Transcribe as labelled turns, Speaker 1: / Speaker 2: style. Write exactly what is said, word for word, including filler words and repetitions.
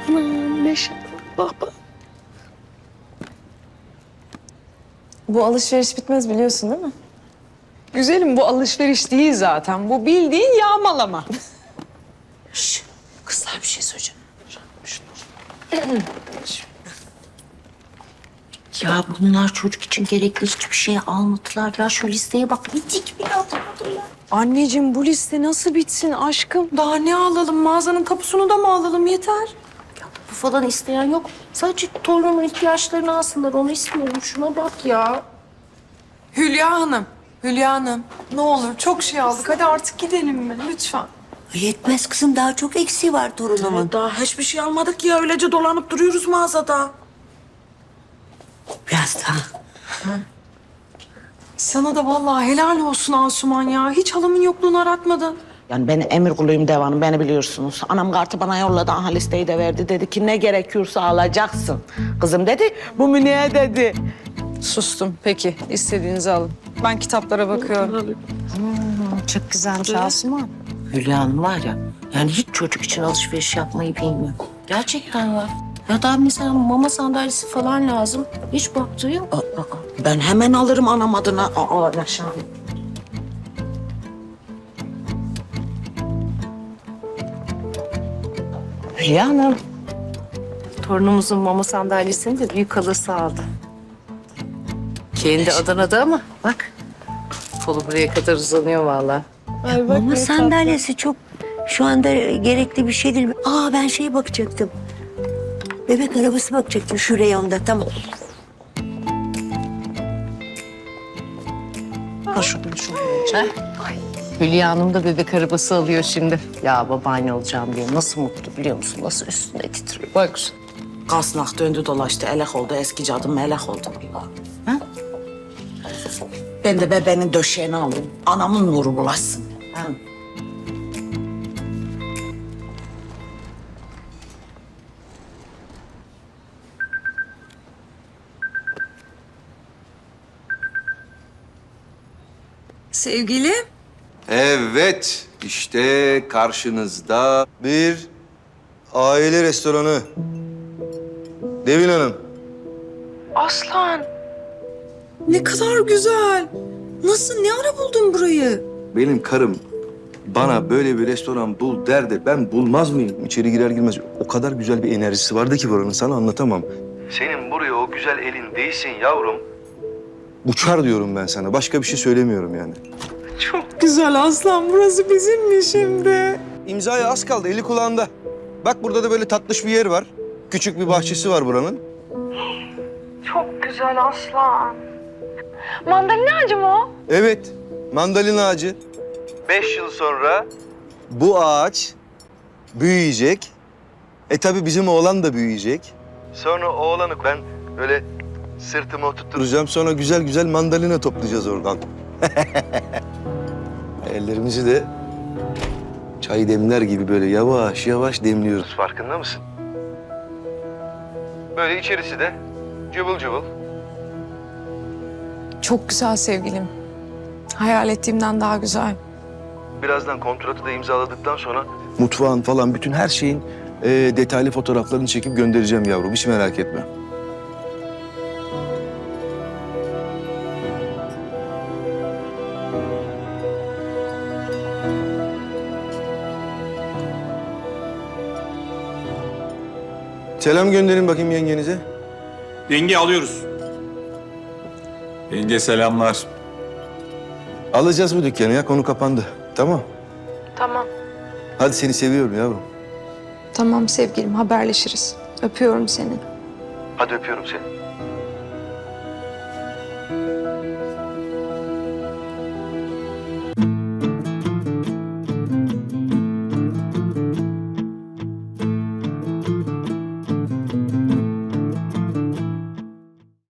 Speaker 1: Anam Neşe. Bak bak.
Speaker 2: Bu alışveriş bitmez biliyorsun değil mi?
Speaker 3: Güzelim, bu alışveriş değil zaten. Bu bildiğin yağmalama.
Speaker 1: Şş, kızlar bir şey söyleyeceğim. Ya bunlar çocuk için gerekli hiçbir şey almadılar ya. Şu listeye bak, bir dik bile atamadılar.
Speaker 3: Anneciğim, bu liste nasıl bitsin aşkım? Daha ne alalım? Mağazanın kapısını da mı alalım? Yeter.
Speaker 1: Bu falan isteyen yok. Sadece torunumun ihtiyaçlarını alsınlar, onu istiyorum. Şuna bak ya.
Speaker 3: Hülya Hanım, Hülya Hanım. Ne olur, çok şey aldık. Hadi artık gidelim mi? Lütfen.
Speaker 4: Yetmez kızım, daha çok eksiği var torunumun.
Speaker 5: Daha hiçbir şey almadık ya. Öylece dolanıp duruyoruz mağazada.
Speaker 4: Biraz daha.
Speaker 3: Sana da vallahi helal olsun Asuman ya. Hiç halamın yokluğunu aratmadın.
Speaker 5: Yani ben emir kuluyum devanım, beni biliyorsunuz. Anam kartı bana yolladı, aha listeyi de verdi. Dedi ki ne gerekiyorsa alacaksın. Kızım dedi, bu Münih'e dedi.
Speaker 3: Sustum. Peki, istediğinizi alın. Ben kitaplara bakıyorum.
Speaker 1: Çok güzelmiş Asuman.
Speaker 4: Hülya Hanım var ya, yani hiç çocuk için alışveriş yapmayı bilmiyor. Gerçekten ya. Ya da mesela mama sandalyesi falan lazım. Hiç baktığı yok.
Speaker 5: Aa, aa, ben hemen alırım anam adına. Aa, Neşe Hanım.
Speaker 4: Hülya Hanım. Torunumuzun mama sandalyesini de büyük halası aldı. Kendi Adana'da ama bak. Kolu buraya kadar uzanıyor vallahi.
Speaker 6: Mama sandalyesi çok şu anda gerekli bir şey değil. Aa ben şeye bakacaktım. Bebek arabası bakacaktım şu reyonda, tamam.
Speaker 5: Ha şunu şunu.
Speaker 4: Hülya Hanım da bebek arabası alıyor şimdi. Ya babaanne olacağım diye nasıl mutlu biliyor musun? Nasıl üstünde titriyor. Bak.
Speaker 5: Kasnak döndü dolaştı, elek oldu. Eski cadım melek oldu. Ha? Ben de bebeğin döşeğini alayım. Anamın nuru bulaşsın. Ha?
Speaker 3: Sevgilim.
Speaker 7: Evet, işte karşınızda bir aile restoranı. Devin Hanım.
Speaker 3: Aslan. Ne kadar güzel. Nasıl, ne ara buldun burayı?
Speaker 7: Benim karım bana böyle bir restoran bul derdi. Ben bulmaz mıyım? İçeri girer girmez o kadar güzel bir enerjisi vardı ki buranın, sana anlatamam. Senin buraya o güzel elin değsin yavrum. Uçar diyorum ben sana. Başka bir şey söylemiyorum yani.
Speaker 3: Çok güzel Aslan. Burası bizim mi şimdi?
Speaker 7: İmzaya az kaldı, eli kulağında. Bak burada da böyle tatlış bir yer var. Küçük bir bahçesi var buranın.
Speaker 3: Çok güzel Aslan. Mandalina ağacı mı o?
Speaker 7: Evet, mandalina ağacı. Beş yıl sonra bu ağaç büyüyecek. E tabii bizim oğlan da büyüyecek. Sonra oğlanı ben böyle sırtıma oturtturacağım. Sonra güzel güzel mandalina toplayacağız oradan. Ellerimizi de çay demler gibi böyle yavaş yavaş demliyoruz. Farkında mısın? Böyle içerisi de cıvıl cıvıl.
Speaker 3: Çok güzel sevgilim. Hayal ettiğimden daha güzel.
Speaker 7: Birazdan kontratı da imzaladıktan sonra mutfağın falan bütün her şeyin e, detaylı fotoğraflarını çekip göndereceğim yavrum. Hiç merak etme. Selam gönderin bakayım yengenize.
Speaker 8: Yenge alıyoruz. Yenge selamlar.
Speaker 7: Alacağız bu dükkanı ya, konu kapandı. Tamam.
Speaker 3: Tamam.
Speaker 7: Hadi seni seviyorum yavrum.
Speaker 2: Tamam sevgilim, haberleşiriz. Öpüyorum seni.
Speaker 7: Hadi öpüyorum seni.